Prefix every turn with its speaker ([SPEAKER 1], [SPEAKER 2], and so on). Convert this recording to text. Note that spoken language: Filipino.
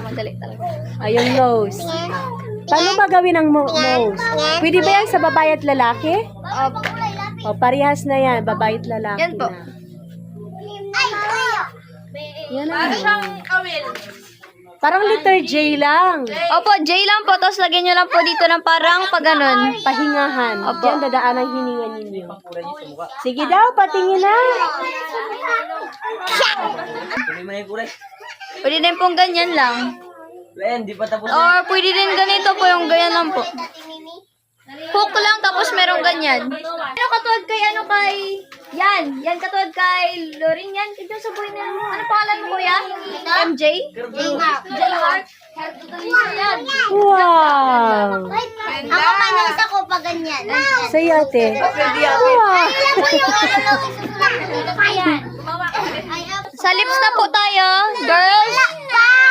[SPEAKER 1] madali talaga.
[SPEAKER 2] Ayun, nose. Paano ba gawin ang nose? Pwede ba yan sa babae at lalaki?
[SPEAKER 1] Opo.
[SPEAKER 2] O, parehas na yan. Babae at lalaki
[SPEAKER 1] Yan po.
[SPEAKER 2] na. Yan na. Parang letter J lang.
[SPEAKER 1] Opo, J lang po. Tapos lagyan nyo lang po dito ng parang pag ganun.
[SPEAKER 2] Pahingahan.
[SPEAKER 1] Opo.
[SPEAKER 2] Diyan dadaan ang hininga ninyo. Sige daw, patingin na.
[SPEAKER 1] Pwede din pong ganyan lang.
[SPEAKER 3] Di pa tapos.
[SPEAKER 1] Or pwede din ganito po, yung ganyan lang po. Hook lang, tapos merong ganyan. Ano katulad kay, yan. Yan katulad kay Lorin yan. Ito sa buhay na, ano pangalan mo kuya? MJ? J Heart. Yan.
[SPEAKER 2] Wow.
[SPEAKER 4] Ako may nasa ko pa ganyan.
[SPEAKER 2] Sa'yo, ate. Wow.
[SPEAKER 1] Sa lips na po tayo, girls.